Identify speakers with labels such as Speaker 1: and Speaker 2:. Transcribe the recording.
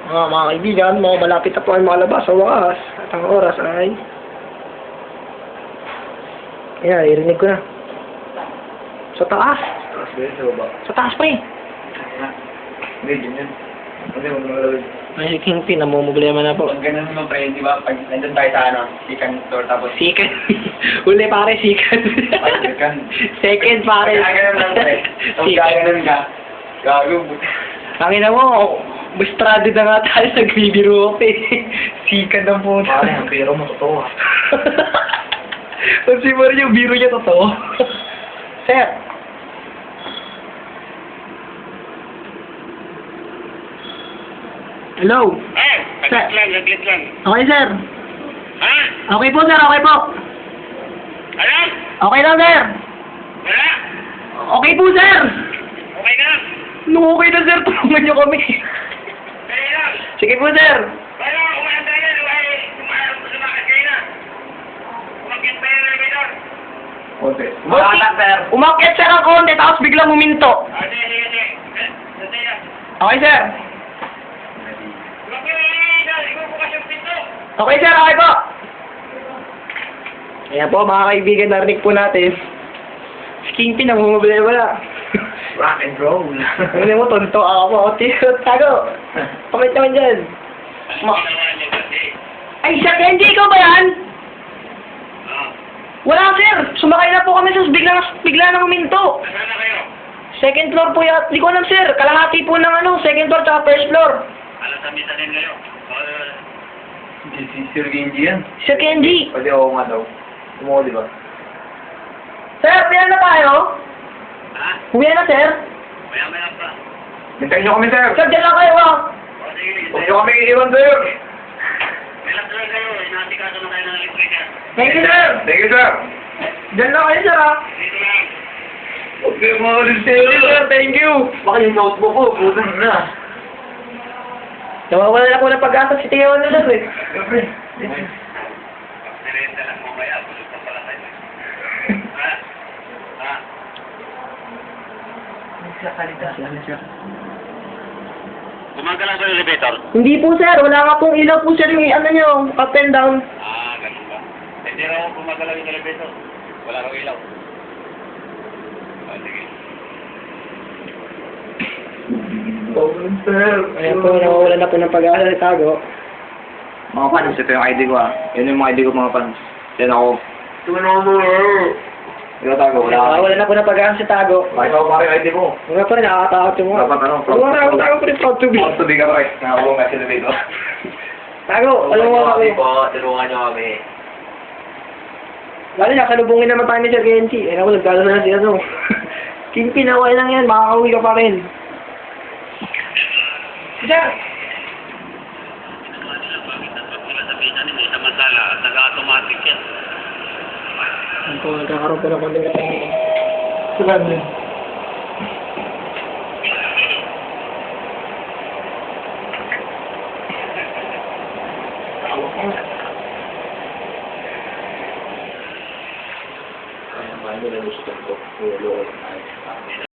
Speaker 1: Mga kaibigan, malapit na po ang makalabas sa wakas. At ang oras ay... Ayan, irinig ko na. Sa taas.
Speaker 2: Tapos ba yun sa baba?
Speaker 1: Sa taas pa eh.
Speaker 2: Hindi, ganyan. Hindi, huwag mo lalawin.
Speaker 1: Ay, Kingpin, namumblema na po.
Speaker 2: Pag ganun naman pre, di ba? Pag nandun tayo sa second floor tapos...
Speaker 1: Second. Uli pare, second.
Speaker 2: Second.
Speaker 1: Second pare.
Speaker 2: Pag gaganon lang pre. Tapos gaganon ka. Gago.
Speaker 1: Tangina mo, stranded na nga tayo sa Greedy Rope eh. Second ang po.
Speaker 2: Pare, ang pero mo totoo ah.
Speaker 1: Kasi mo rin yung biro niya totoo. Sir. Hello.
Speaker 3: Laglit lang.
Speaker 1: Okay, sir.
Speaker 3: Ha?
Speaker 1: Okay po, sir. Okay po.
Speaker 3: Ano?
Speaker 1: Okay lang, sir.
Speaker 3: Wala?
Speaker 1: Okay po, sir.
Speaker 3: Okay na?
Speaker 1: No, okay na, sir. Tulungan niyo kami.
Speaker 3: Kaya lang.
Speaker 1: Sige po, sir.
Speaker 3: Wala, umanda na. Lumakad kayo na. Umakit pa yung elevator.
Speaker 2: Konti. Umakata sir.
Speaker 1: Umakyat, sir, ang konti, tapos biglang huminto.
Speaker 3: Sige. Sandali lang.
Speaker 1: Okay, sir.
Speaker 3: Umakit yung elevator. Ikaw bukas yung pinto.
Speaker 1: Okay, sir. Okay po. Ayan po, mga kaibigan, narinig po natin. Si Kingpin, namumubili wala.
Speaker 2: Rock and roll.
Speaker 1: Ano mo, tonto ako po. Tago. Pakit naman dyan.
Speaker 3: Ginawa niyo kasi.
Speaker 1: Ay, Sir Kenji, ikaw ba yan? Wala, sir. Sumakay na po kami, sir. Bigla na huminto.
Speaker 3: Nasaan na kayo?
Speaker 1: Second floor po yan. Di ko alam, sir. Kalahati po ng second floor tsaka first floor.
Speaker 3: Alas sa din kayo.
Speaker 2: Si Sir Genji yan.
Speaker 1: Sir Kenji.
Speaker 2: Pwede ako nga daw. Tumuko di ba?
Speaker 1: Sir, piyan na tayo.
Speaker 3: Ha?
Speaker 1: Uwi na, sir.
Speaker 3: Maya pa.
Speaker 2: Hintayin niyo kami sir.
Speaker 1: Sir, dyan lang kayo, ah.
Speaker 3: Sige.
Speaker 2: Huwag niyo kami iiwan sir.
Speaker 3: Relax lang kayo. Inaasikaso na tayo ng electrical.
Speaker 1: Thank you, sir.
Speaker 2: Thank you sir.
Speaker 1: Dyan lang kayo, sir, ah.
Speaker 3: Dito lang.
Speaker 2: Huwag kayo makalit
Speaker 1: Thank you, sir. Thank you.
Speaker 2: Baka yung notebook ko, butan na.
Speaker 1: Nawawala na po ng pag-asa si Tio na, sir, eh.
Speaker 2: Siyempre.
Speaker 3: Nirenta lang mo kaya. Gusto pa pala tayo. Ha? Ha? Gumagalaw ba yung elevator?
Speaker 1: Hindi po, sir. Wala nga pong ilaw po, sir, yung nyo, up and down.
Speaker 3: Ganun ba? Hindi raw gumagalaw yung elevator. Wala raw ilaw. Sige.
Speaker 2: Bawal sir.
Speaker 1: Ayan po, nawawala na po ng pag-asa si Tago.
Speaker 2: Mga fans, ito yung ID ko ah. Yun yung mga ID ko mga fans. Yan ako. Tumawa mo Ikaw tago, wala ka.
Speaker 1: Nawawala na po ng pag-asa si Tago.
Speaker 2: Bakit ako pare ID mo?
Speaker 1: Wala pa rin, nakakatakot yung mga.
Speaker 2: Dapat ano?
Speaker 1: Tago pa rin, proud to be.
Speaker 2: Proud to be ka pare. Nakabulong ka sila dito.
Speaker 1: Tago, alam mo kami.
Speaker 2: Tulungan niyo kami.
Speaker 1: Lalo na, salubungin naman tayo ni Sir Genji. Eh, ako, nagdalo na si ano. Kingpin, away lang yan, makakauwi ka pa rin. Sir!
Speaker 3: Samantala, nag-automatic yan.
Speaker 1: Ano po, nagkakaroon po ng konting katahimikan. Salam din.
Speaker 2: Kaya paano na gusto ko? Tulungan tayo.